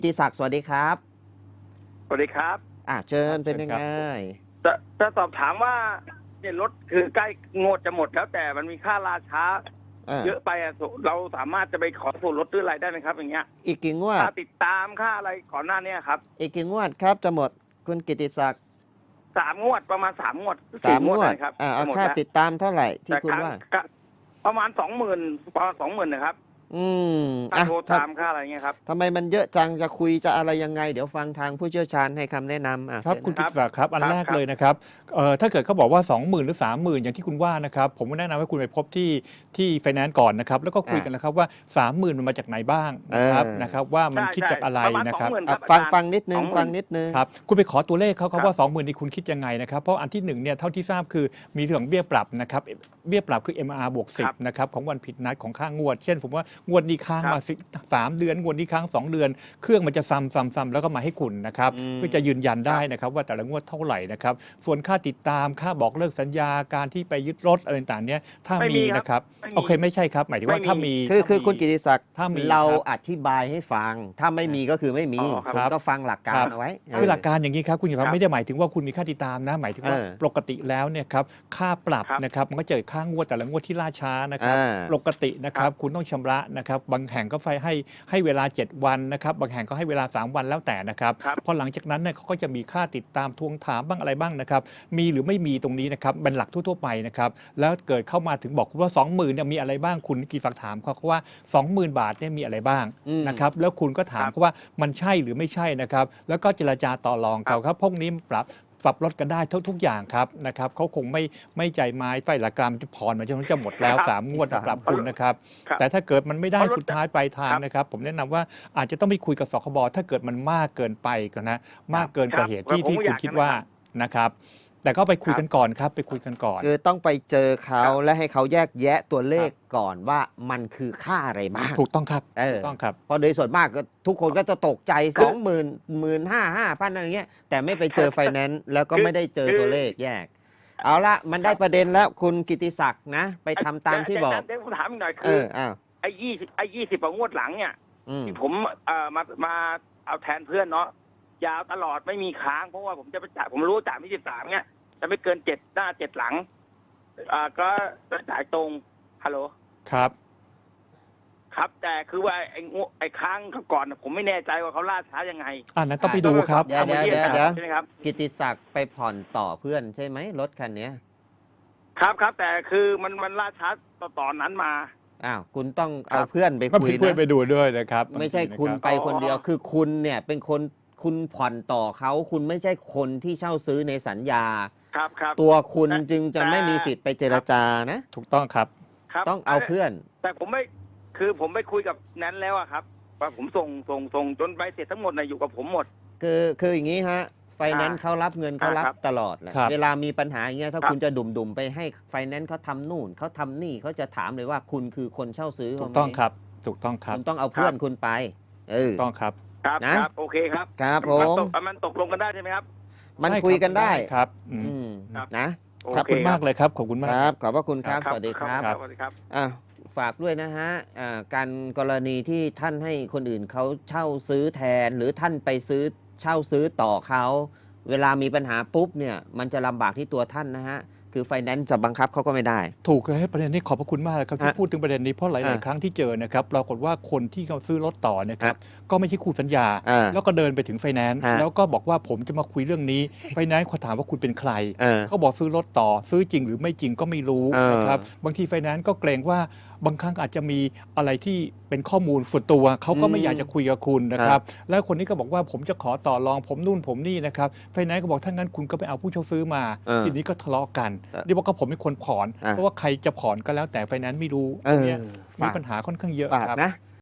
กิติศักดิ์สวัสดีครับสวัสดีครับเชิญครับเป็นยังไงจะสอบถามว่าเนี่ยรถคือใกล้งวดจะหมดแล้วแต่มันมีค่าราช้าเยอะไปเราสามารถจะไปขอส่วนลดหรืออะไรได้ไหมครับ อย่างเงี้ยอีกกี่งวดค่าติดตามค่าอะไรก่อนหน้านี้ครับอีกกี่งวดครับจะหมดคุณกิติศักดิ์ 3 งวดประมาณ3 งวด 3 งวดนะครับเอาค่าติดตามเท่าไหร่ที่คุณว่าประมาณ20,000นะครับค่าโทรตามค่าอะไรเงี้ยครับทำไมมันเยอะจังจะคุยจะอะไรยังไงเดี๋ยวฟังทางผู้เชี่ยวชาญให้คำแนะนำครับคุณกิติศักดิ์ครับอันแรกครับเลยนะครับถ้าเกิดเขาบอกว่า 20,000 หรือ 30,000 อย่างที่คุณว่านะครับผมแนะนำให้คุณไปพบที่ไฟแนนซ์ก่อนนะครับแล้วก็คุยกันนะครับว่า 30,000 มันมาจากไหนบ้างนะครับว่ามันคิดจากอะไรนะครับฟังนิดนึงครับคุณไปขอตัวเลขเขาว่า 20,000 นี่คุณคิดยังไงนะครับเพราะอันที่1เนี่ยเท่าที่ทราบคือมีเรื่องเบี้ยปรับนะครับเบี้ยปรับคือ MR บวก 10นะครับของวันผิดนัดของค่างวดเช่นผมว่างวดนี้ค้างมา3 เดือนงวดนี้ค้าง2 เดือนเครื่องมันจะซ้ำแล้วก็มาให้คุณนะครับเพื่อจะยืนยันได้นะครับว่าแต่ละงวดเท่าไหร่นะครับส่วนค่าติดตามค่าบอกเลิกสัญญาการที่ไปยึดรถอะไรต่างๆเนี้ยถ้ามีนะครับโอเคไม่ใช่ครับหมายถึงว่าถ้ามีคือคุณกิติศักดิ์ถ้ามีเราอธิบายให้ฟังถ้าไม่มีก็คือไม่มีคุณก็ฟังหลักการเอาไว้คือหลักการอย่างนี้ครับคุณครับไม่ได้หมายถึงว่าคุณมีค่าติดตามนะหมายถึงว่าปกติแล้วเนี่ยครับค่าปรับนะครับมันก็จะค่างวดแต่ละงวดที่ล่าช้านะครับปกตินะครับคุณต้องชำระนะครับบางแห่งก็ให้เวลา7 วันนะครับบางแห่งก็ให้เวลา3 วันแล้วแต่นะครับพอหลังจากนั้นเนี่ยเขาก็จะมีค่าติดตามทวงถามบ้างอะไรบ้างนะครับมีหรือไม่มีตรงนี้นะครับเป็นหลักทั่วๆไปนะครับแล้วเกิดเข้ามาถึงบอกว่า 20,000 เนี่ยมีอะไรบ้างคุณกิติศักดิ์ถามเขาว่า 20,000 บาทเนี่ยมีอะไรบ้างนะครับแล้วคุณก็ถามเขาว่ามันใช่หรือไม่ใช่นะครับแล้วก็เจรจาต่อรองเขาครับพวกนี้ปรับลดกันได้ทุกอย่างครับนะครับเขาคงไม่ใจไม้ไฟละกรรมจะผ่อนมาจนจะหมดแล้ว3 งวดปรับคุณนะครับแต่ถ้าเกิดมันไม่ได้สุดท้ายปลายทางนะครับผมแนะนำว่าอาจจะต้องไปคุยกับสคบถ้าเกิดมันมากเกินไปก็นะมากเกินกว่าเหตุที่คุณคิดว่านะครับแต่ก็ไปคุยกันก่อนครับไปคุยกันก่อนคือต้องไปเจอเขาและให้เขาแยกแยะตัวเลขก่อนว่ามันคือค่าอะไรบ้างถูกต้องครับถูกต้องครับเพราะโดยส่วนมากทุกคนก็จะตกใจ 20,000 15,000 อะไรเงี้ยแต่ไม่ไปเจอไฟแนนซ์แล้วก็ไม่ได้เจอตัวเลขแยกเอาละมันได้ประเด็นแล้วคุณกิติศักดิ์นะไปทำตามที่บอกเดี๋ยวผมถามอีกหน่อยคือไอ้20 กว่างวดหลังเนี่ยที่ผมมาเอาแทนเพื่อนเนาะยาวตลอดไม่มีค้างเพราะว่าผมจะไปจ่ายผมรู้จ่าย23เนี่ยจะไม่เกิน7 หน้า 7 หลังก็จ่ายตรงฮัลโหลครับแต่คือว่าไอ้ค้างก่อนผมไม่แน่ใจว่าเขาล่าช้ายังไงนั้นต้องไปดูครับเดี๋ยวใช่ไหมครับกิติศักดิ์ไปผ่อนต่อเพื่อนใช่ไหมรถคันนี้ครับแต่คือมันล่าช้าตอนนั้นมาคุณต้องเอาเพื่อนไปคุยนะเพื่อนไปดูด้วยนะครับไม่ใช่คุณไปคนเดียวคือคุณเนี่ยเป็นคนคุณผ่อนต่อเขาคุณไม่ใช่คนที่เช่าซื้อในสัญญาครับตัวคุณจึงจะไม่มีสิทธิ์ไปเจรจานะถูกต้องครับต้องเอาเพื่อนแต่ผมไม่คุยกับแนนแล้วครับว่าผมส่งจนใบเสร็จทั้งหมดอยู่กับผมหมดคืออย่างนี้ฮะไฟแนนซ์เขารับเงินเขารับตลอดแหละเวลามีปัญหาอย่างเงี้ยถ้าคุณจะดุ่มไปให้ไฟแนนซ์เขาทำนู่นเขาทำนี่เขาจะถามเลยว่าคุณคือคนเช่าซื้อถูกต้องครับถูกต้องครับคุณต้องเอาเพื่อนคุณไปถูกต้องครับครับโอเคครับผมมันตกลงกันได้ใช่ไหมครับมันคุยกันได้ครับนะขอบคุณมากเลยครับขอบคุณมากครับขอบพระคุณครับสวัสดีครับสวัสดีครับฝากด้วยนะฮะการกรณีที่ท่านให้คนอื่นเขาเช่าซื้อแทนหรือท่านไปเช่าซื้อต่อเขาเวลามีปัญหาปุ๊บเนี่ยมันจะลำบากที่ตัวท่านนะฮะคือไฟแนนซ์จะบังคับเขาก็ไม่ได้ถูกเลยประเด็นนี้ขอบพระคุณมากครับที่พูดถึงประเด็นนี้เพราะหลายๆครั้งที่เจอนะครับปรากฏว่าคนที่เขาซื้อรถต่อเนี่ยครับก็ไม่ใช่คู่สัญญาแล้วก็เดินไปถึงไฟแนนซ์แล้วก็บอกว่าผมจะมาคุยเรื่องนี้ไฟแนนซ์เขาถามว่าคุณเป็นใครเขาบอกซื้อรถต่อซื้อจริงหรือไม่จริงก็ไม่รู้นะครับบางทีไฟแนนซ์ก็เกรงว่าบางครั้งอาจจะมีอะไรที่เป็นข้อมูลส่วนตัวเขาก็ไม่อยากจะคุยกับคุณนะครับแล้วคนนี้ก็บอกว่าผมจะขอต่อรองผมนู่นผมนี่นะครับไฟแนนซ์ก็บอกถ้างั้นคุณก็ไปเอาผู้เช่าซื้อมาทีนี้ก็ทะเลาะกันนี่บอกว่าผมเป็นคนผ่อนเพราะว่าใครจะผ่อนก็แล้วแต่ไฟแนนซ์ไม่รู้ตรงนี้มีปัญหาค่อนข้างเยอะครับ